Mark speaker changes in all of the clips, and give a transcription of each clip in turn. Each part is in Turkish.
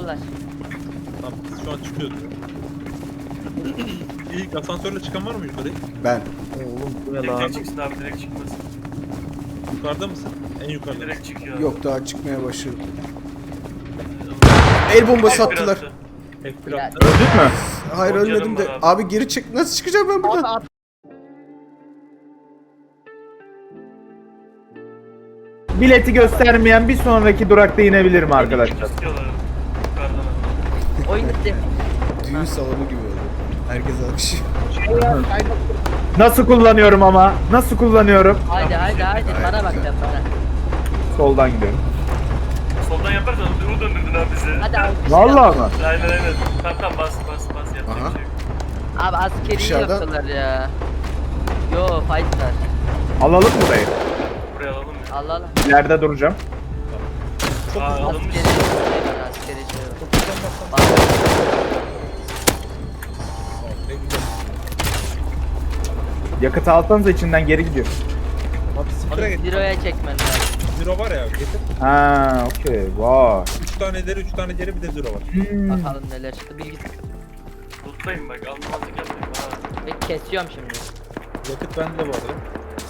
Speaker 1: çıktılar.
Speaker 2: Tamam biz şu an çıkıyoruz. İlk asansörle çıkan var mı yukarı?
Speaker 3: Ben.
Speaker 4: Oğlum bu ne lan?
Speaker 5: Direkt çıksın abi, direkt çıkmasın.
Speaker 2: Yukarıda mısın? En yukarıda.
Speaker 5: Direkt çıkıyor abi.
Speaker 3: Yok daha çıkmaya başladım. El bombası
Speaker 5: F1
Speaker 3: attılar.
Speaker 5: attı.
Speaker 2: F1
Speaker 1: Ya,
Speaker 2: attı.
Speaker 4: Öldük mü?
Speaker 3: Hayır
Speaker 5: Çok
Speaker 3: ölmedim
Speaker 5: canım
Speaker 3: de.
Speaker 5: var abi.
Speaker 3: Abi geri çık. Nasıl çıkacağım ben buradan?
Speaker 1: Abi
Speaker 4: Bileti göstermeyen bir sonraki durakta inebilirim arkadaşlar.
Speaker 5: İstiyorlar. Yukarıdan abi.
Speaker 1: oyun bitti.
Speaker 3: Düğün salonu gibi oldu. Herkes alkışlıyor.
Speaker 4: Nasıl kullanıyorum ama? Nasıl kullanıyorum?
Speaker 1: Haydi bana bak sen bana.
Speaker 4: Soldan gidiyorum.
Speaker 5: Soldan yaparsan U döndürdün abi bizi.
Speaker 1: Hadi abi.
Speaker 4: Vallahi mı?
Speaker 5: Aynen. Tamam bas yapacak
Speaker 3: Aha.
Speaker 5: bir şey yok.
Speaker 1: Abi askeri
Speaker 3: Dışarıda-
Speaker 1: yaptılar ya. Yo fightlar.
Speaker 4: Alalım mı burayı?
Speaker 5: Buraya alalım ya.
Speaker 1: Allah Allah.
Speaker 4: İleride duracağım.
Speaker 5: Aa alınmış.
Speaker 1: Askeri şey yok. Bak,
Speaker 2: Ne güzel.
Speaker 4: Yakıtı alsanız içinden geri gidiyor.
Speaker 2: Abi sıfıra
Speaker 1: onu
Speaker 2: geç.
Speaker 1: zero'ya çekmen lazım.
Speaker 2: Zero var ya getir.
Speaker 4: Ha, okey. Vay.
Speaker 2: 3 tane ileri 3 tane geri bir de zero var.
Speaker 1: Bakalım neler çıktı. Bilgi
Speaker 5: Tutlayın bak, almamazlık yapmayın. Aa.
Speaker 1: ve kesiyorum şimdi.
Speaker 2: Yakıt bende bu arada.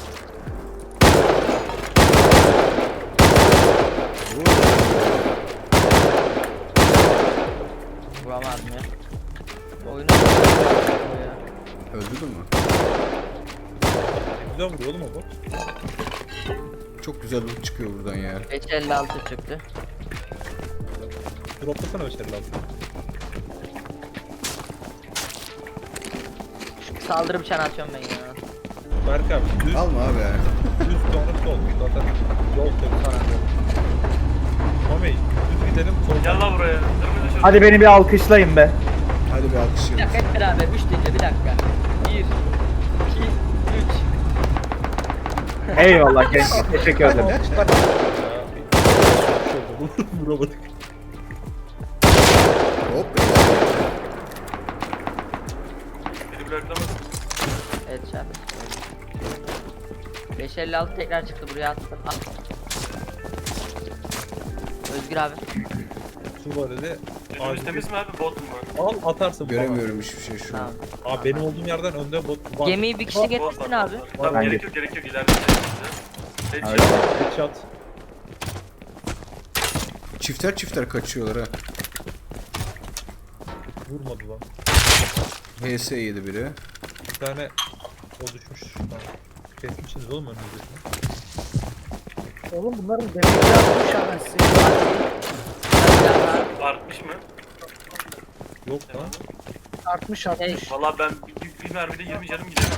Speaker 1: Vuramadım ya. Oyunu
Speaker 3: Öldürdün mü?
Speaker 2: Güzel vuruyor oğlum o bot.
Speaker 3: Çok güzel loot çıkıyor buradan ya.
Speaker 1: 556 çıktı.
Speaker 2: Droplasana başarılı abi.
Speaker 1: Saldırı bıçağını atıyorum ben ya.
Speaker 2: Berk abi düz
Speaker 3: Alma abi ya.
Speaker 2: sonra sol. Zaten yol tabii. Mami düz gidelim sol.
Speaker 5: Gel lan buraya. Dırmızı şurada.
Speaker 4: Hadi beni bir alkışlayın be.
Speaker 3: Hadi bir
Speaker 1: Bir
Speaker 3: alkışlayalım.
Speaker 1: dakika hep beraber 3 deyince bir dakika. 1 2 3
Speaker 4: Eyvallah gençler. Teşekkür ederim.
Speaker 2: Vuramadık.
Speaker 3: Hop.
Speaker 5: Beni bıraklamasın.
Speaker 1: Evet şahane. 556 tekrar çıktı buraya attım. Al. Özgür abi.
Speaker 2: Su var dedi.
Speaker 5: Önümüz temiz mi abi, bot mu var?
Speaker 2: Al atarsın.
Speaker 3: Göremiyorum hiçbir şey şu an.
Speaker 1: Tamam.
Speaker 2: Abi benim olduğum yerden önde bot var.
Speaker 1: Gemiyi bir kişi
Speaker 5: Bot
Speaker 1: getirsin
Speaker 5: var,
Speaker 1: abi.
Speaker 5: bot var. Tamam
Speaker 4: Ben
Speaker 5: gerek yok ileride.
Speaker 4: Evet.
Speaker 2: Headshot.
Speaker 3: Çifter kaçıyorlar ha.
Speaker 2: Vurmadı lan.
Speaker 3: HS yedi biri.
Speaker 2: Bir tane o düşmüş. Tamam. Kesmişsiniz oğlum önünüzdekini.
Speaker 6: Oğlum bunların demekli yapmış anasını.
Speaker 5: Artmış mı?
Speaker 2: Yok lan.
Speaker 6: Artmış.
Speaker 5: Valla ben bir mermide 20 canım giderim.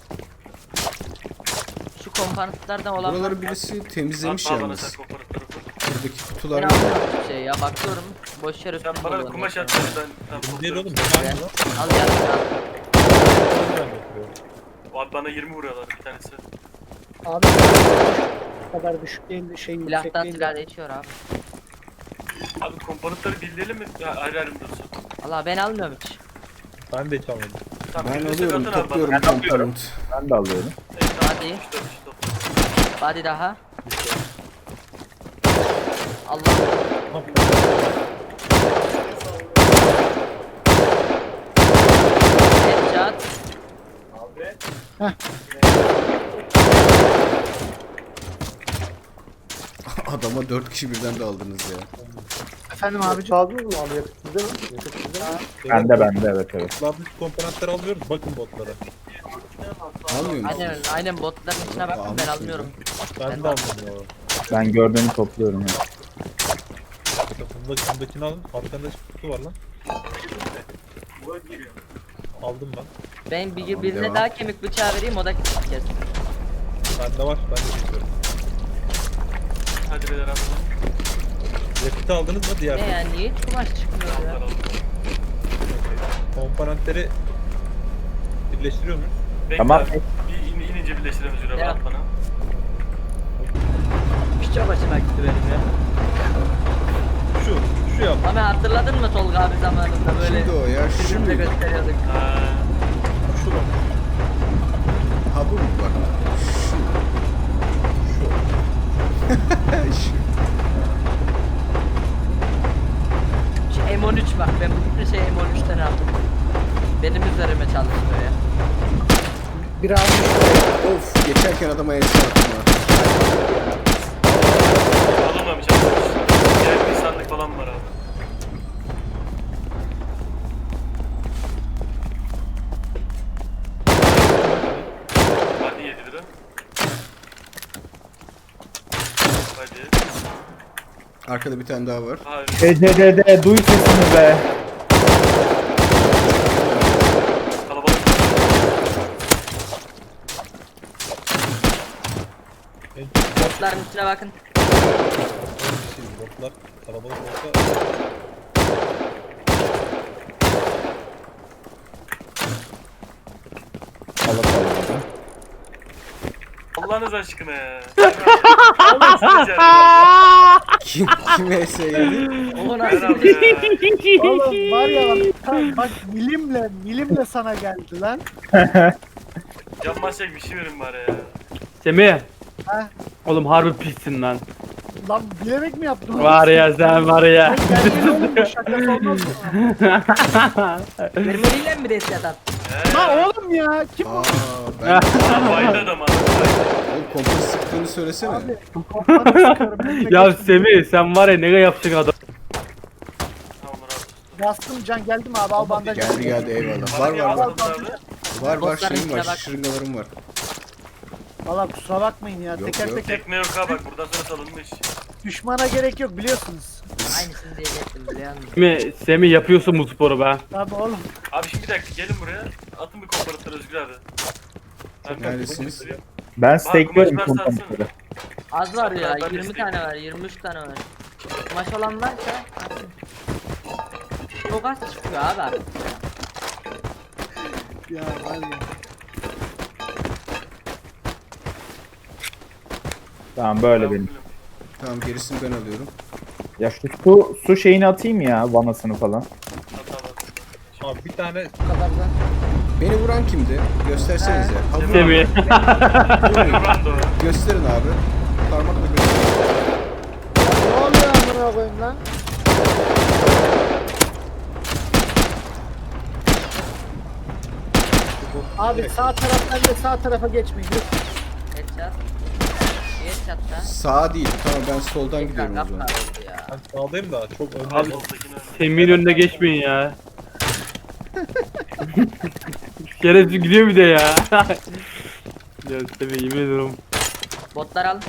Speaker 1: Şu komponentlerden olan
Speaker 3: Buraları birisi temizlemiş yalnız. Buradaki
Speaker 1: ben
Speaker 3: kutular
Speaker 1: almıyorum bir şey ya bakıyorum. Boş yer
Speaker 5: Sen
Speaker 1: üstünde
Speaker 5: bana
Speaker 1: dolanıyor.
Speaker 5: kumaş at ben
Speaker 2: Değil oğlum.
Speaker 1: Ben-
Speaker 2: Ben lan.
Speaker 1: Al gel al.
Speaker 2: Ben yapıyorum.
Speaker 5: Abi bana 20 vuruyorlar bir tanesi.
Speaker 6: Abi bu kadar düşük değil şey yüksek
Speaker 1: Silahtan
Speaker 6: değil.
Speaker 1: silah değişiyor abi.
Speaker 5: Abi komponentleri bildirelim mi? Ya, ayrı ayrı mı dursun?
Speaker 1: Valla ben almıyorum hiç.
Speaker 2: Ben de hiç almadım.
Speaker 5: Tamam,
Speaker 3: Ben
Speaker 5: bildirsek
Speaker 3: alıyorum,
Speaker 5: atın abi bana.
Speaker 3: topluyorum
Speaker 4: Ben alıyorum.
Speaker 3: komponent.
Speaker 4: Ben de alıyorum.
Speaker 5: Evet, tamam,
Speaker 1: Hadi.
Speaker 5: işte, işte.
Speaker 1: Hadi daha. Allah.
Speaker 2: Tamam.
Speaker 1: Headshot.
Speaker 3: Adama 4 kişi birden de aldınız ya.
Speaker 6: Efendim abicim. Aldınız mı abi yakıt bizde mi? Yakıt bizde mi?
Speaker 4: Bende evet.
Speaker 2: Botlardaki komponentleri alıyoruz. Bakın botlara.
Speaker 3: Almıyor musun?
Speaker 1: Aynen botların içine baktım ben
Speaker 3: Almışsın
Speaker 1: almıyorum.
Speaker 2: Ben de almadım ya.
Speaker 4: Ben gördüğümü topluyorum ya.
Speaker 2: Bundakini alın. Arkanda kutu var lan. Aldım ben.
Speaker 1: Ben
Speaker 3: Tamam,
Speaker 1: birine
Speaker 3: devam.
Speaker 1: daha kemik bıçağı vereyim o da kes.
Speaker 2: Bende var. Ben de geçiyorum.
Speaker 5: Hadi beyler abi.
Speaker 2: Yakıtı aldınız mı diğer?
Speaker 1: Ne yani niye hiç kumaş çıkmıyor ya?
Speaker 2: Komponentleri birleştiriyor muyuz?
Speaker 5: Bekle
Speaker 4: Tamam.
Speaker 5: abi. Bir inince birleştirelim Zürav
Speaker 1: Ya.
Speaker 5: at bana.
Speaker 1: Piçe başıma gitti benim ya.
Speaker 2: Şu yap.
Speaker 1: Ama hatırladın mı Tolga abi zamanında böyle
Speaker 3: Şimdi o ya, şu
Speaker 1: birbirimize
Speaker 3: muydu?
Speaker 1: gösteriyorduk.
Speaker 5: Ha,
Speaker 2: Şu bak.
Speaker 3: Ha bu mu bak? Şu. Şu.
Speaker 1: Şu M13 bak ben bu şey M13'ten aldım. Benim üzerime çalışıyor ya.
Speaker 6: Biraz
Speaker 3: Of geçerken adama el attım ha.
Speaker 5: Alınmamış arkadaş. Diğer bir sandık falan var abi. Hadi 7 lira. Hadi.
Speaker 3: Arkada bir tane daha var.
Speaker 5: Hayır.
Speaker 4: ECD'de duy sesini be.
Speaker 5: Kalabalık.
Speaker 2: En çok
Speaker 1: Botların üstüne bakın.
Speaker 2: şey, botlar kalabalık olsa
Speaker 5: Allah'ınız aşkına ya. Allah sizi
Speaker 3: Kim ES yedi?
Speaker 1: O
Speaker 5: Ver
Speaker 1: nasıl
Speaker 5: abi
Speaker 1: bir
Speaker 5: ya.
Speaker 6: Oğlum var ya bak milimle sana geldi lan.
Speaker 5: Yanmazsak bir şey verin bari ya.
Speaker 7: Semih.
Speaker 6: Ha?
Speaker 7: Oğlum harbi pissin lan.
Speaker 6: Lan bilerek mi yaptın?
Speaker 7: Var ya sen var ya.
Speaker 6: Geldi oğlum bu şakası olmaz mı?
Speaker 1: Mermeriyle mi reset attın?
Speaker 6: Lan oğlum ya kim bu?
Speaker 3: Aa ben
Speaker 5: Bayıldı adam abi.
Speaker 3: oğlum kompas sıktığını söylesene.
Speaker 6: Abi kafanı sıkarım.
Speaker 7: Ya Semih sen var ya ne yapacaksın adam.
Speaker 5: Tamam abi.
Speaker 6: Bastım can geldi mi abi al bandaj.
Speaker 3: Geldi eyvallah. Var
Speaker 5: Bana
Speaker 3: var var.
Speaker 5: abi.
Speaker 3: Var
Speaker 1: Botların
Speaker 3: şeyim var.
Speaker 1: içine bak.
Speaker 3: Şırıngalarım var.
Speaker 6: Valla kusura bakmayın ya
Speaker 3: Yok,
Speaker 6: teker
Speaker 3: yok.
Speaker 6: teker
Speaker 5: Tekne yok ha bak buradan sonra salınmış.
Speaker 6: düşmana gerek yok biliyorsunuz.
Speaker 1: Aynısını diyecektim biliyor musun?
Speaker 7: Semih yapıyorsun bu sporu be.
Speaker 6: Tabi oğlum.
Speaker 5: Abi şimdi bir dakika gelin buraya. Atın bir komparatör Özgür abi. Ben
Speaker 3: Neredesiniz?
Speaker 4: Ben
Speaker 5: kumaş
Speaker 4: stakeliyorum
Speaker 5: varsa
Speaker 4: komutanları.
Speaker 1: Az var ya
Speaker 5: Ben
Speaker 1: 20
Speaker 5: isteyeyim.
Speaker 1: tane var 23 tane var. Maç olan varsa atın. Çok az çıkıyor abi artık ya.
Speaker 6: Ya var ya.
Speaker 4: Tamam böyle benim.
Speaker 3: Tamam gerisini ben alıyorum.
Speaker 4: Ya şu su şeyini atayım ya vanasını falan.
Speaker 2: abi bir tane
Speaker 6: Bu kadar da.
Speaker 3: Beni vuran kimdi? Göstersenize. Ha, vuran.
Speaker 7: Semih.
Speaker 5: Rando.
Speaker 3: Gösterin abi. Parmakla gösterin.
Speaker 6: Ne oluyor amına koyayım lan? Abi sağ taraftan da sağ tarafa geçmeyin. Lütfen.
Speaker 1: Headshot. Headshot da.
Speaker 3: Sağa değil. Tamam ben soldan gidiyorum o
Speaker 1: Ekran
Speaker 3: zaman.
Speaker 1: kapkar oldu ya.
Speaker 2: ben sağdayım da çok önde.
Speaker 7: Abi Semih'in önüne geçmeyin ya. Şerefsiz gidiyor bir de ya. Ya Semih yemin ediyorum.
Speaker 1: Botlar al.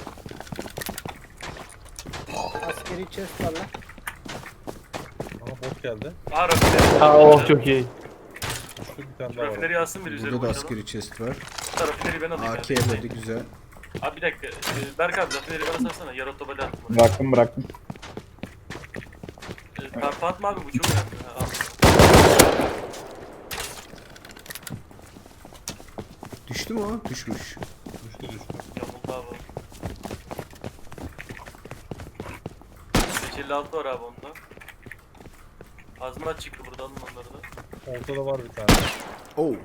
Speaker 6: Askeri chest var lan.
Speaker 2: Aha bot geldi.
Speaker 5: Aa rafineri.
Speaker 7: Ha oh çok iyi.
Speaker 2: Şu bir tane daha var.
Speaker 5: Rafineri alsın bir üzeri
Speaker 3: Burada da
Speaker 5: boşalım.
Speaker 3: askeri chest var.
Speaker 5: Rafineri ben alayım.
Speaker 3: AK
Speaker 5: ya.
Speaker 3: böyle güzel.
Speaker 5: Abi bir dakika. Berk abi rafineri bana sarsana. Yarı otobali attım.
Speaker 4: Bıraktım.
Speaker 5: Karpa atma abi bu çok önemli. Ha, al.
Speaker 3: Düştü mü o? Düşmüş.
Speaker 2: Düştü.
Speaker 5: Yamuldu abi. 556 var abi onda. Azmat çıktı burada alın onları da.
Speaker 2: Ortada var bir tane.
Speaker 3: Oh.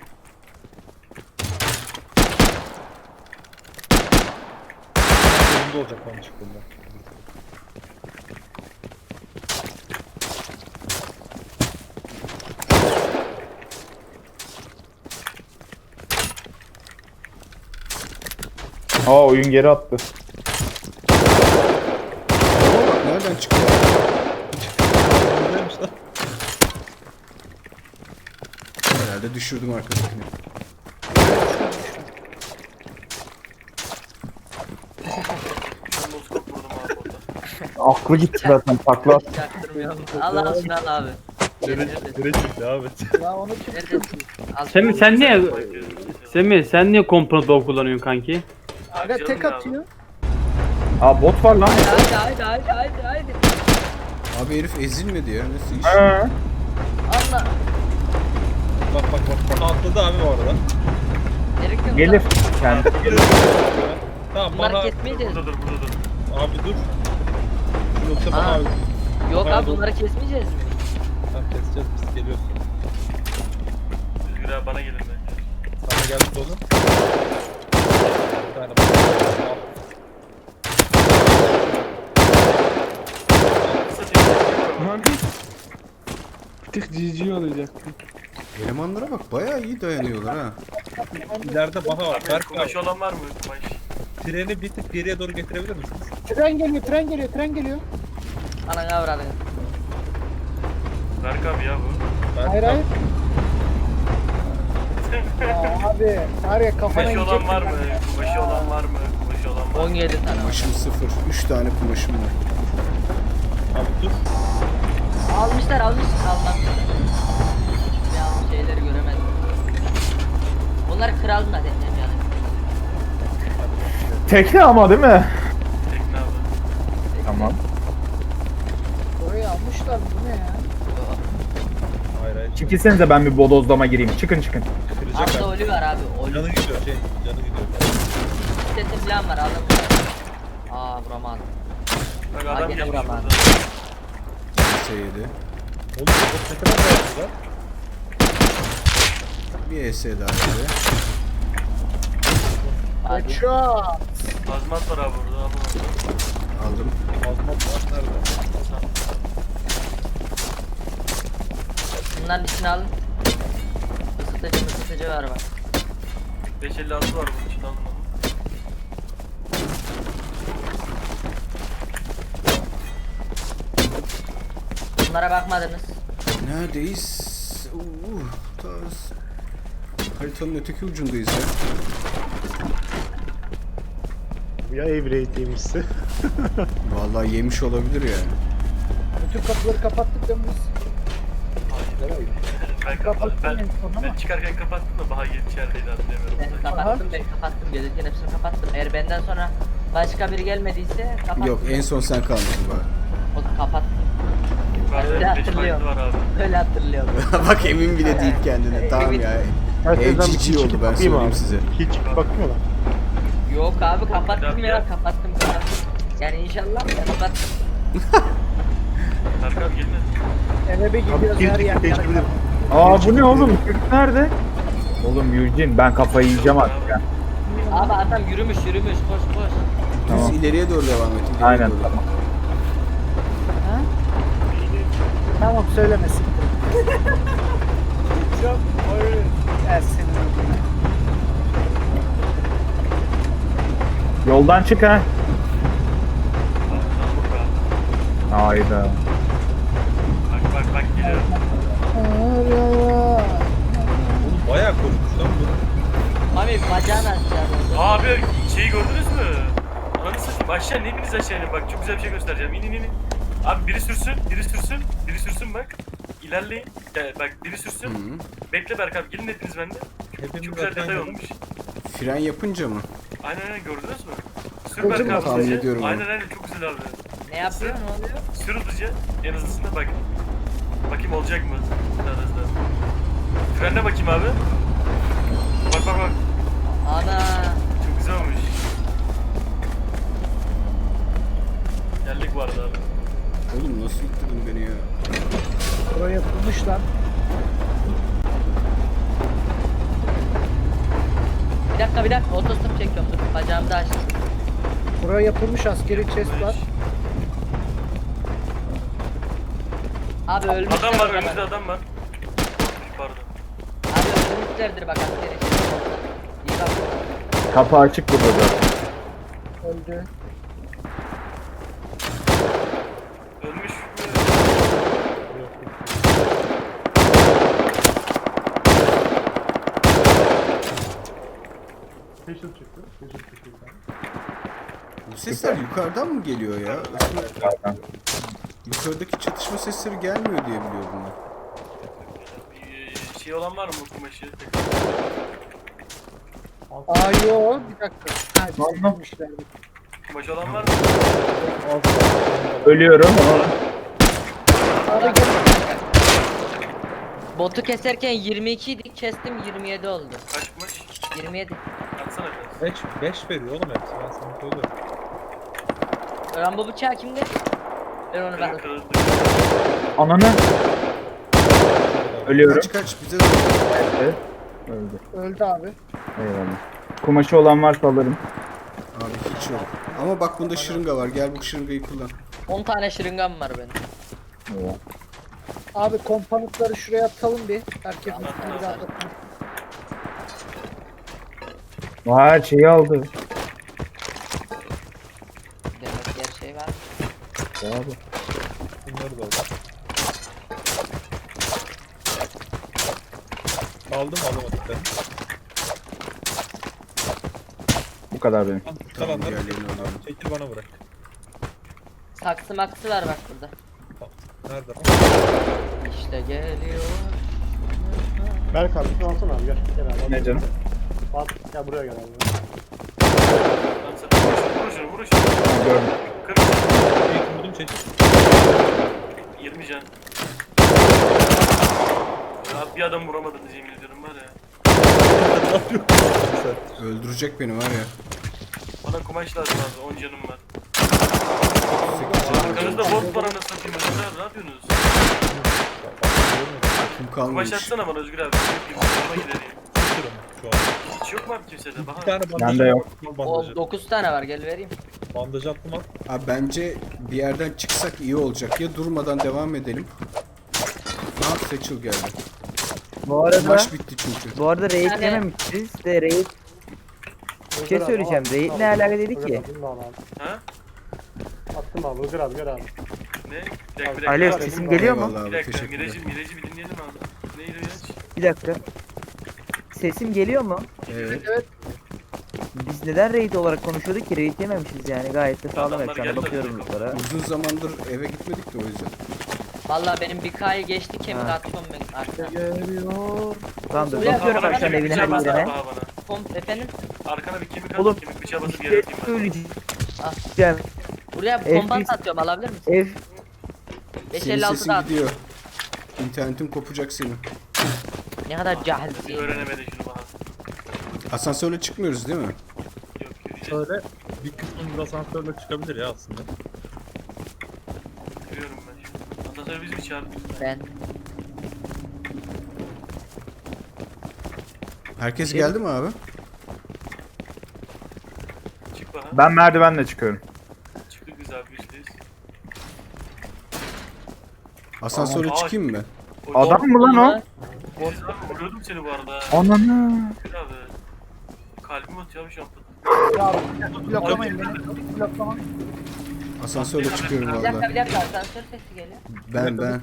Speaker 2: Önümde olacak bana çıktığında.
Speaker 4: Aa oyun geri attı.
Speaker 3: Bak nereden çıktı?
Speaker 2: Buradaymış lan.
Speaker 3: Herhalde düşürdüm arkadakini.
Speaker 5: Ben noskop vurdum abi orada.
Speaker 4: Aklı gitti zaten takla.
Speaker 1: Çaktırmıyorum. Al al şunu al abi.
Speaker 2: Direkt çıktı devam et.
Speaker 6: Ya onu kim?
Speaker 1: Neredesin? Al
Speaker 7: Semih
Speaker 1: şunu.
Speaker 7: sen niye Semih komponent dog kullanıyorsun kanki?
Speaker 6: Aga
Speaker 5: Canım
Speaker 6: tek
Speaker 5: ya.
Speaker 6: atıyor.
Speaker 4: Aa bot var lan.
Speaker 1: Haydi.
Speaker 3: Abi herif ezilmedi ya. Nasıl iş?
Speaker 4: Ha.
Speaker 1: Allah.
Speaker 2: Bak. Atladı abi bu arada.
Speaker 1: Gerek yok.
Speaker 4: Gelir.
Speaker 1: lan.
Speaker 4: Kendi.
Speaker 2: Tamam
Speaker 1: Bunları
Speaker 2: bana
Speaker 1: kesmeyeceğiz.
Speaker 5: Burada dur.
Speaker 2: abi dur. Yoksa bana
Speaker 1: Aa.
Speaker 2: abi.
Speaker 1: Yok
Speaker 2: Bana
Speaker 1: abi
Speaker 2: dur.
Speaker 1: bunları kesmeyeceğiz mi?
Speaker 2: Tamam keseceğiz biz geliyorsun.
Speaker 5: Özgür abi bana gelin bence.
Speaker 2: Sana geldi sonu. Bir tane bak. Al.
Speaker 5: Kısa çekim.
Speaker 7: Bir tık GG olacaktı.
Speaker 3: Elemanlara bak bayağı iyi dayanıyorlar ha.
Speaker 2: İleride bana var.
Speaker 5: Abi
Speaker 2: Berk
Speaker 5: kumaş
Speaker 2: abi.
Speaker 5: olan var mı? Kumaş.
Speaker 2: Treni bir tık geriye doğru getirebilir misiniz?
Speaker 6: Tren geliyor, tren geliyor, tren geliyor.
Speaker 1: Ananı avradını.
Speaker 5: Berk abi ya bu.
Speaker 2: Berk
Speaker 6: Hayır
Speaker 2: abi.
Speaker 6: hayır. Ya abi var ya kafana
Speaker 5: Kumaşı
Speaker 6: yiyecek.
Speaker 5: olan var mı? Kumaşı olan var mı? Kumaşı olan var mı?
Speaker 1: 17 tane.
Speaker 3: Kumaşım 0. 3 tane kumaşım var.
Speaker 2: Abi dur.
Speaker 1: Almışlar almışlar. Ya şeyleri göremedim. Bunlar kralın da deneyim yani.
Speaker 4: Tekne ama değil mi?
Speaker 5: Tekne abi.
Speaker 4: Tamam.
Speaker 6: Orayı almışlar bu ne ya?
Speaker 2: Hayır hayır.
Speaker 4: Çekilsenize ben bir bodozlama gireyim. Çıkın çıkın.
Speaker 2: Bitirecek
Speaker 1: Altta
Speaker 2: abi.
Speaker 1: ölü var abi. Ölü.
Speaker 2: Canı gidiyor şey. Canı gidiyor.
Speaker 1: Sesim falan var alın. Aa vuramadım.
Speaker 5: Bak
Speaker 1: Aa,
Speaker 5: adam
Speaker 1: gene
Speaker 5: gelmiş
Speaker 1: vuramam.
Speaker 5: burada.
Speaker 3: S7.
Speaker 2: Oğlum bu ne kadar dayandı lan?
Speaker 3: Bir ES daha böyle.
Speaker 1: Hadi.
Speaker 6: Headshot.
Speaker 5: Azmat var abi burada. Alın onu.
Speaker 3: Aldım.
Speaker 2: Azmat var nerede?
Speaker 1: Bunların içine alın. Isıtıcı var bak.
Speaker 5: 556 var bunun için alın onu.
Speaker 1: Bunlara bakmadınız.
Speaker 3: Neredeyiz? Taz. Haritanın öteki ucundayız ya.
Speaker 6: Ya Evrate'ymişse.
Speaker 3: Vallahi yemiş olabilir yani.
Speaker 6: Bütün kapıları kapattık değil mi biz?
Speaker 5: Ben çıkarken kapattım da Baha gelip içerideydi anlayamıyorum.
Speaker 1: Ben kapattım gözükün hepsini kapattım. Eğer benden sonra başka biri gelmediyse kapattım.
Speaker 3: Yok en son sen kalmışsın bak.
Speaker 1: O kapattım.
Speaker 5: Yukarıda
Speaker 1: Öyle
Speaker 5: 5
Speaker 1: hatırlıyorum.
Speaker 5: var abi.
Speaker 1: Öyle hatırlıyorum.
Speaker 3: Bak emin bile değil kendine. Tamam ya. Ev cici oldu ben söyleyeyim size.
Speaker 6: Hiç bakmıyorlar.
Speaker 1: Yok abi kapattım
Speaker 5: Tabii
Speaker 1: ya
Speaker 5: ya.
Speaker 1: kapattım. Yani inşallah ya kapattım.
Speaker 5: Berk abi gelin.
Speaker 6: Eve bir gidiyoruz her yer.
Speaker 4: Aa bu ne oğlum? Çocuk nerede? Oğlum Eugene ben kafayı yiyeceğim artık ya.
Speaker 1: Abi adam yürümüş koş koş.
Speaker 4: Tamam.
Speaker 3: Düz ileriye doğru devam et. ileriye
Speaker 4: Aynen
Speaker 3: doğru.
Speaker 4: tamam.
Speaker 6: Tamam söylemesin. Gelsin.
Speaker 4: Yoldan çık ha. Hayda.
Speaker 5: Bak geliyor.
Speaker 2: Oğlum bayağı korkmuş lan bu.
Speaker 1: Abi bacağını açacağım.
Speaker 5: Abi şeyi gördünüz mü? Ananı satayım aşağı ne biriniz aşağı inin bak çok güzel bir şey göstereceğim inin. Abi biri sürsün bak. İlerleyin. Gel, bak biri sürsün.
Speaker 3: Hı.
Speaker 5: Bekle Berk abi gelin hepiniz bende.
Speaker 2: Hepimiz
Speaker 5: Çok güzel
Speaker 2: zaten
Speaker 5: detay
Speaker 2: geldik.
Speaker 5: olmuş.
Speaker 3: Fren yapınca mı?
Speaker 5: Aynen gördünüz mü? Sür
Speaker 6: Gördüm
Speaker 5: Berk abi
Speaker 3: tahmin
Speaker 5: hızlıca.
Speaker 3: ediyorum onu.
Speaker 5: Aynen çok güzel abi.
Speaker 1: Ne yapıyor ne oluyor?
Speaker 5: Sür hızlıca en hızlısına bak. Bakayım olacak mı? Daha hızlı. Frenle bakayım abi. Bak.
Speaker 1: Ana.
Speaker 5: Çok güzel olmuş. Geldik bu arada abi.
Speaker 3: Oğlum nasıl yıktırdın beni ya?
Speaker 6: Buraya yapılmış lan.
Speaker 1: Bir dakika otostop çekiyorum dur bacağımı da açtım.
Speaker 6: Buraya yapılmış askeri chest var.
Speaker 1: Abi ölmüşler.
Speaker 5: Adam var
Speaker 1: o zaman.
Speaker 5: önümüzde adam var. Pardon.
Speaker 1: Abi ölmüşlerdir bak askeri. İyi bak.
Speaker 4: Kapı açık burada zaten.
Speaker 6: Öldü.
Speaker 5: Ölmüş.
Speaker 3: Bu sesler yukarıdan mı geliyor ya?
Speaker 4: Zaten.
Speaker 3: Yukarıdaki çatışma sesleri gelmiyor diye biliyordum ben.
Speaker 5: Şey olan var mı kumaşı?
Speaker 6: Aa yo bir dakika. Ha,
Speaker 4: Tamam.
Speaker 6: çekilmişler.
Speaker 5: Kumaş olan var mı?
Speaker 4: Ölüyorum.
Speaker 6: Abi gel.
Speaker 1: Botu keserken 22 idi kestim 27 oldu.
Speaker 5: Kaç kumaş?
Speaker 1: 27.
Speaker 5: Atsana biraz.
Speaker 2: 5 veriyor oğlum hepsi ben sana söylüyorum.
Speaker 1: Rambo bıçağı kimde? Ben onu ben
Speaker 5: Kırıldı.
Speaker 4: Ananı. Ölüyorum.
Speaker 3: Kaç bize de
Speaker 4: Evet. Öldü.
Speaker 6: Öldü abi.
Speaker 4: Eyvallah. Kumaşı olan varsa alırım.
Speaker 3: Abi hiç yok. Ama bak bunda şırınga var. Gel bu şırıngayı kullan.
Speaker 1: 10 tane şırıngam var benim.
Speaker 4: Eyvallah.
Speaker 6: Abi kompanıtları şuraya atalım bir. Herkes üstünü bir atlasın.
Speaker 4: Her şeyi aldı.
Speaker 1: Demek ki her şey var.
Speaker 4: Abi.
Speaker 2: Bunları da aldım. Aldım alamadıklarını.
Speaker 4: Bu kadar benim.
Speaker 2: Kalanları
Speaker 3: diğerlerini
Speaker 2: çekil.
Speaker 3: alalım.
Speaker 2: Çekil bana bırak.
Speaker 1: Saksı maksı var bak burada.
Speaker 2: Nerede?
Speaker 1: İşte geliyor.
Speaker 6: Berk abi şunu alsana abi gel. Gel abi.
Speaker 4: Ne canım?
Speaker 6: At, gel buraya gel abi.
Speaker 5: Lan sen vur şunu vur şunu.
Speaker 4: Gördüm.
Speaker 5: Kır.
Speaker 2: Vurdum çekil.
Speaker 5: 20 can. Ya bir adam vuramadınız yemin ediyorum var ya.
Speaker 3: Öldürecek beni var ya.
Speaker 5: Bana kumaş lazım abi 10 canım var.
Speaker 3: 8 canım.
Speaker 5: Arkanızda bot var anasını satayım Özgür abi ne yapıyorsunuz?
Speaker 3: Kim
Speaker 5: Kumaş
Speaker 3: kalmamış.
Speaker 5: atsana bana Özgür abi. Yanıma gidereyim.
Speaker 2: Şu an.
Speaker 5: Hiç yok mu abi kimsede?
Speaker 2: Bir
Speaker 5: Baha.
Speaker 2: tane bandaj.
Speaker 4: Bende yok.
Speaker 2: Bandajı.
Speaker 1: O 9 tane var gel vereyim.
Speaker 2: Bandajı attım al.
Speaker 3: Abi bence bir yerden çıksak iyi olacak. Ya durmadan devam edelim. Seçil geldi.
Speaker 8: Bu arada
Speaker 3: Maç bitti çünkü.
Speaker 8: bu arada raid
Speaker 1: Yani-
Speaker 8: yememişiz de raid bir şey söyleyeceğim. Raid ne alaka dedi ki?
Speaker 5: Ha?
Speaker 6: Attım abi Ilgır abi gel abi.
Speaker 5: Ne? Bir dakika.
Speaker 8: Alo sesim geliyor mu?
Speaker 3: Eyvallah
Speaker 5: Bir
Speaker 3: abi,
Speaker 5: dakika
Speaker 3: teşekkürler.
Speaker 5: Mireci bir dinleyelim abi. Neydi o yaş?
Speaker 8: Bir dakika. Sesim geliyor mu?
Speaker 3: Evet.
Speaker 8: Biz neden raid olarak konuşuyorduk ki? Raid yememişiz yani. Gayet de sağlam
Speaker 5: Adamlar
Speaker 8: ekrana
Speaker 5: geldi
Speaker 8: bakıyorum
Speaker 5: zaten.
Speaker 8: bunlara.
Speaker 3: Uzun zamandır eve gitmedik de o yüzden.
Speaker 1: Vallahi benim bir K'yı geçti kemik
Speaker 8: Ha.
Speaker 1: atıyorum ben arkana.
Speaker 8: Geliyor. Tamam dur
Speaker 1: Buraya
Speaker 8: bakıyorum
Speaker 1: bak,
Speaker 8: akşam
Speaker 5: kemik
Speaker 8: evine
Speaker 5: bıçağı
Speaker 8: her
Speaker 5: basar
Speaker 8: yerine.
Speaker 5: Baha bana.
Speaker 1: Komp efendim.
Speaker 5: Arkana bir kemik at.
Speaker 8: Oğlum,
Speaker 5: Kemik bıçağı basıp
Speaker 8: Bir
Speaker 5: yere
Speaker 8: şey
Speaker 5: atayım ben.
Speaker 8: söyleyeceğim.
Speaker 1: Ah. Buraya bir
Speaker 8: Ev
Speaker 1: kombat
Speaker 8: biz-
Speaker 1: atıyorum alabilir misin?
Speaker 8: Ev
Speaker 3: Senin
Speaker 1: 556
Speaker 3: sesin
Speaker 1: da at.
Speaker 3: gidiyor. İnternetin kopacak senin.
Speaker 1: Ne kadar
Speaker 5: Bir
Speaker 1: cahilsin.
Speaker 5: öğrenemedi şunu Baha.
Speaker 3: Asansörle çıkmıyoruz değil mi?
Speaker 5: Yok yürüyeceğiz.
Speaker 2: Şöyle bir kısmında asansörle çıkabilir ya aslında.
Speaker 5: Yürüyorum ben şu. Asansörü biz mi çağırdık?
Speaker 1: Ben.
Speaker 3: Herkes geldi mi abi?
Speaker 5: Çık Baha.
Speaker 4: Ben merdivenle çıkıyorum.
Speaker 5: Çıktık biz abi yüzdeyiz.
Speaker 3: Asansöre
Speaker 5: Aa,
Speaker 3: çıkayım mı?
Speaker 4: Adam mı lan o?
Speaker 5: Biz abi vuruyordum seni bu arada.
Speaker 4: Ananı.
Speaker 5: Özgür abi. Kalbim atıyor abi şu an.
Speaker 6: Bloklamayın beni. Bloklamayın.
Speaker 3: Asansörle çıkıyorum
Speaker 1: Bir
Speaker 3: valla.
Speaker 1: dakika bir dakika asansör sesi geliyor.
Speaker 3: Ben.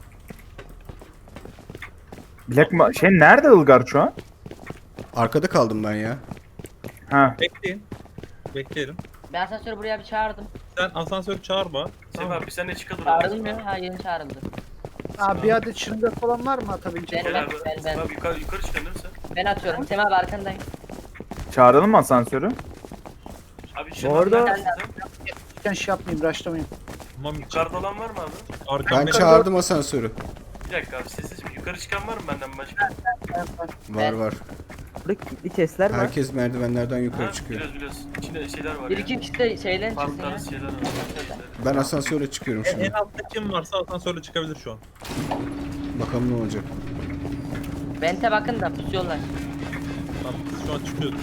Speaker 4: Black şey nerede Ilgar şu an?
Speaker 3: Arkada kaldım ben ya.
Speaker 4: Ha.
Speaker 2: Bekleyin. Bekleyelim.
Speaker 1: Ben asansörü buraya bir çağırdım.
Speaker 2: Sen asansörü çağırma.
Speaker 5: Sefa abi sen de çıkalım.
Speaker 1: Çağrılmıyor. Ha yeni çağrıldı.
Speaker 6: Abi bir adet şırınga falan var mı atabileceğim?
Speaker 1: Ben-
Speaker 5: Gel abi.
Speaker 1: ben-
Speaker 5: Sefa abi yukarı çıkın değil mi sen?
Speaker 1: Ben atıyorum. Sema abi arkandayım.
Speaker 4: Çağıralım mı asansörü?
Speaker 5: Abi
Speaker 8: Bu arada-
Speaker 6: Ben şey yapmayayım, rushlamayayım.
Speaker 2: Tamam
Speaker 5: Yukarıda olan var mı abi?
Speaker 3: Ben
Speaker 2: Arkamda
Speaker 3: çağırdım asansörü.
Speaker 5: Bir dakika abi sessiz mi? Yukarı çıkan var mı benden başka?
Speaker 3: Var.
Speaker 8: burada kilitli chestler var.
Speaker 3: Herkes merdivenlerden yukarı
Speaker 5: Ha,
Speaker 3: çıkıyor.
Speaker 5: biliyoruz. İçinde şeyler var
Speaker 1: Bir
Speaker 5: ya.
Speaker 1: iki kişi de şeyden
Speaker 5: Farklı
Speaker 1: çıksın ya.
Speaker 5: tarzı şeyler var.
Speaker 3: Ben asansöre çıkıyorum
Speaker 2: en
Speaker 3: şimdi.
Speaker 2: altta kim varsa asansörle çıkabilir şu an.
Speaker 3: Bakalım ne olacak.
Speaker 1: Vente bakın da pusuyorlar.
Speaker 2: Tamam biz şu an çıkıyoruz.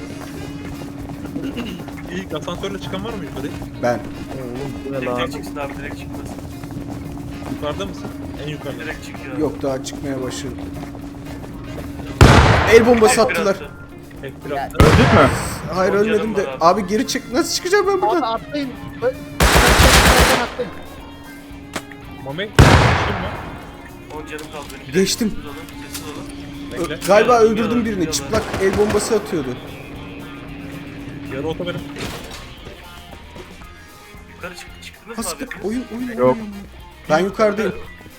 Speaker 2: İlk asansörle çıkan var mı yukarı?
Speaker 3: Ben.
Speaker 8: Bu ne lan?
Speaker 5: Direkt çıksın abi direkt çıkmasın.
Speaker 2: Yukarıda mısın? En yukarıda.
Speaker 5: Direkt çıkıyor abi.
Speaker 3: Yok daha çıkmaya başladım. El bombası
Speaker 5: Direkt
Speaker 3: attılar.
Speaker 5: attı.
Speaker 2: Tek bir
Speaker 1: Ya,
Speaker 2: attı.
Speaker 4: Öldük mü?
Speaker 3: Hayır
Speaker 5: Yok,
Speaker 3: ölmedim
Speaker 5: canım
Speaker 3: de.
Speaker 5: var abi.
Speaker 3: Abi geri çık. Nasıl çıkacağım ben
Speaker 6: Abi
Speaker 3: buradan?
Speaker 6: atlayın. Atlayın.
Speaker 2: Mami. Kim mi?
Speaker 5: 10 canım kaldı benim. Bir
Speaker 3: Geçtim.
Speaker 5: dakika, Sessiz olun. Sessiz olun.
Speaker 2: Bekle.
Speaker 3: Galiba
Speaker 5: Geliyorlar,
Speaker 3: öldürdüm birini.
Speaker 5: geliyorlar.
Speaker 3: Çıplak el bombası atıyordu.
Speaker 2: Yarı oto benim.
Speaker 5: Yukarı çıktınız mı
Speaker 3: Haskı
Speaker 5: abi?
Speaker 3: oyun.
Speaker 4: Yok.
Speaker 3: Ben yukarıdayım.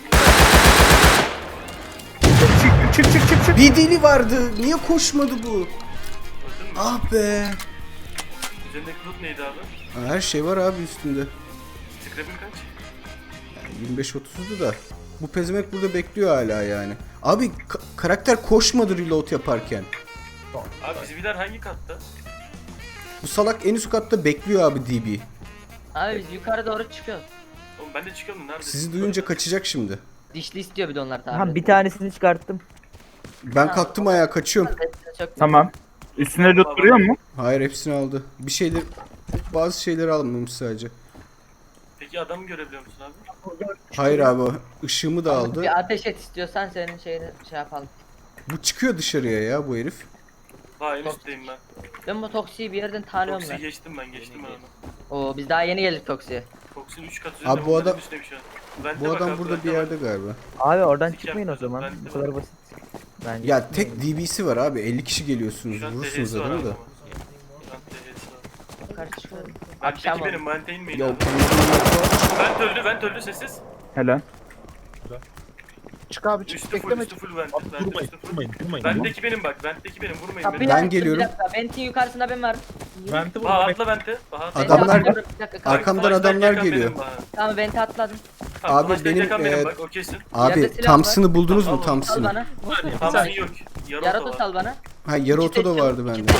Speaker 4: Çık.
Speaker 3: Bir deli vardı. Niye koşmadı bu?
Speaker 5: Öldün mü?
Speaker 3: Ah be.
Speaker 5: Üzerindeki loot neydi abi?
Speaker 3: Her şey var abi üstünde.
Speaker 5: Scrap'in kaç?
Speaker 3: 25-30'du da. Bu pezemek burada bekliyor hala yani. Abi karakter koşmadı reload yaparken.
Speaker 5: Abi bizimkiler hangi katta?
Speaker 3: Bu salak en üst katta bekliyor abi DB.
Speaker 1: Abi biz yukarı doğru çıkıyoruz.
Speaker 5: Oğlum ben de çıkıyorum nerede?
Speaker 3: Sizi duyunca kaçacak şimdi.
Speaker 1: Dişli istiyor bir de onlar tabi.
Speaker 8: Ha bir tanesini çıkarttım.
Speaker 3: Ben kalktım ayağa kaçıyorum.
Speaker 4: Tamam. Üstüne loot duruyor mu?
Speaker 3: Hayır hepsini aldı. Bir şeyler bazı şeyleri almamış sadece.
Speaker 5: Peki adamı görebiliyor musun abi?
Speaker 3: Hayır abi, ışığımı da aldı.
Speaker 1: Bir ateş et istiyorsan senin şeyini şey yapalım.
Speaker 3: Bu çıkıyor dışarıya ya bu herif.
Speaker 5: Ha en üstteyim ben.
Speaker 1: Ben bu Toksi'yi bir yerden tanıyorum
Speaker 5: Toksi'yi
Speaker 1: ben.
Speaker 5: geçtim ben onu.
Speaker 1: Oo biz daha yeni geldik Toksi'ye.
Speaker 5: Toksi'nin 3 katı
Speaker 3: Abi bu adam-
Speaker 5: üstteyim şu an. Vente
Speaker 3: Bu
Speaker 5: bak
Speaker 3: adam
Speaker 5: abi,
Speaker 3: burada
Speaker 5: vente
Speaker 3: bir
Speaker 5: bak.
Speaker 3: yerde galiba.
Speaker 8: Abi oradan
Speaker 5: Hiç
Speaker 8: çıkmayın o
Speaker 5: yapmadım,
Speaker 8: zaman.
Speaker 5: ben de
Speaker 8: Bu kadar
Speaker 5: bak.
Speaker 8: basit. Bence
Speaker 3: Ya
Speaker 8: çıkmayın.
Speaker 3: tek DB'si var abi, 50 kişi geliyorsunuz,
Speaker 5: Şu an
Speaker 3: vurursunuz
Speaker 5: TH'si var
Speaker 3: adamı
Speaker 5: abi
Speaker 3: da.
Speaker 5: ama. Şu an TH'si var.
Speaker 1: Yukarı çıkıyorum.
Speaker 5: Vent'teki
Speaker 1: Akşam
Speaker 5: benim, Vent'e inmeyin
Speaker 3: Yok.
Speaker 5: abi. Vent öldü sessiz.
Speaker 4: Helal.
Speaker 6: Çık abi çık.
Speaker 5: Üstü full,
Speaker 6: Bekleme
Speaker 5: üstü
Speaker 6: çık.
Speaker 5: full Vent.
Speaker 2: Abi
Speaker 5: Vent
Speaker 2: durmayın,
Speaker 5: üstü full.
Speaker 2: durmayın, durmayın.
Speaker 5: Vent'teki benim bak, Vent'teki benim, vurmayın
Speaker 1: Kapıyı
Speaker 5: beni.
Speaker 3: Ben
Speaker 1: açtım,
Speaker 3: geliyorum.
Speaker 1: Bir dakika. Vent'in yukarısında ben varım.
Speaker 2: Vent'i
Speaker 5: Baha
Speaker 2: vurmayın.
Speaker 5: atla Vent'e. Baha atla.
Speaker 1: Vent'i
Speaker 3: Adamlar-
Speaker 1: atladım, bir dakika, kalk.
Speaker 3: Arkamdan
Speaker 5: Flashlight
Speaker 3: adamlar
Speaker 5: yakan
Speaker 3: geliyor.
Speaker 5: benim Baha.
Speaker 1: Tamam Vent'i atladım.
Speaker 5: Tamam,
Speaker 3: Abi
Speaker 5: flashlight
Speaker 3: benim,
Speaker 5: yakan benim bak, o kesin.
Speaker 3: Abi
Speaker 1: Yerde silah
Speaker 3: Thompson'ı buldunuz mu
Speaker 5: Al, al, al.
Speaker 1: Sal
Speaker 3: Thompson'ı?
Speaker 1: bana.
Speaker 5: Tamam yok. Yarı
Speaker 1: Yaratı
Speaker 5: oto var.
Speaker 1: sal bana.
Speaker 3: Ha yarı oto da vardı bende.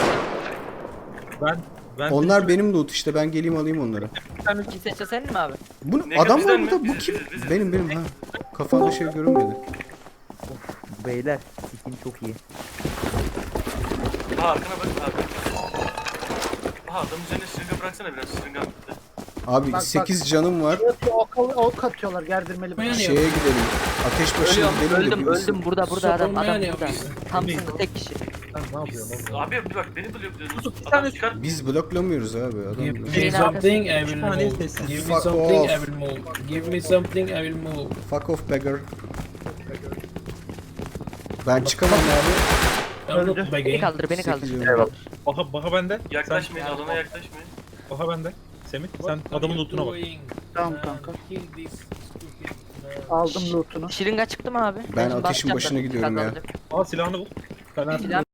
Speaker 2: Ben
Speaker 3: Onlar benim loot işte, ben geleyim alayım onları.
Speaker 1: İki seçe senin mi abi?
Speaker 3: Bu
Speaker 5: Ne
Speaker 3: adam
Speaker 5: bizden
Speaker 3: var
Speaker 5: mi?
Speaker 3: burada, bu
Speaker 5: Biziz,
Speaker 3: kim?
Speaker 5: biziz.
Speaker 3: Benim ha. Kafamda şey görünmedi.
Speaker 8: Beyler sikim çok iyi.
Speaker 5: Baha arkana bak abi. Baha adamın üzerine şırınga bıraksana biraz, şırınga bitti.
Speaker 3: Abi
Speaker 6: Bak,
Speaker 3: 8 canım var.
Speaker 6: Ok atıyorlar gerdirmeli. bana.
Speaker 3: Şeye gidelim. Ateş başına
Speaker 1: Ölüyorum,
Speaker 3: gidelim de
Speaker 1: öldüm,
Speaker 3: bir
Speaker 1: öldüm. Burada adam burada. Thompson tek kişi.
Speaker 2: ne yapıyorum oğlum?
Speaker 5: Abi bir bak beni blokluyorsunuz.
Speaker 2: Bir
Speaker 5: Adam
Speaker 2: tane-
Speaker 5: çıkar.
Speaker 3: Biz bloklamıyoruz abi adam.
Speaker 9: Give
Speaker 3: blok-
Speaker 9: me
Speaker 1: Şeyin
Speaker 9: something, I will
Speaker 2: tane
Speaker 9: move.
Speaker 2: sessiz.
Speaker 9: Give me
Speaker 3: Fuck
Speaker 9: something,
Speaker 3: off.
Speaker 9: I will move. Give me something, I will move.
Speaker 3: Fuck off beggar. Ben çıkamam abi.
Speaker 9: I'm not
Speaker 1: Beni
Speaker 9: begging.
Speaker 1: kaldır, beni kaldır.
Speaker 3: Sekiz canım var.
Speaker 2: Baha bende.
Speaker 5: Yaklaşmayın, alana yaklaşmayın.
Speaker 2: Baha bende. Semih sen adamın lootuna bak.
Speaker 6: Tamam kanka.
Speaker 9: Kill this stupid man.
Speaker 6: Aldım lootunu.
Speaker 1: Şırınga çıktı mı abi?
Speaker 3: Ben
Speaker 1: şimdi
Speaker 3: ateşin
Speaker 1: bakacağım
Speaker 3: başına
Speaker 1: da
Speaker 3: gidiyorum ya.
Speaker 1: kazanacak.
Speaker 2: Al silahını bul. Fener.
Speaker 1: Silah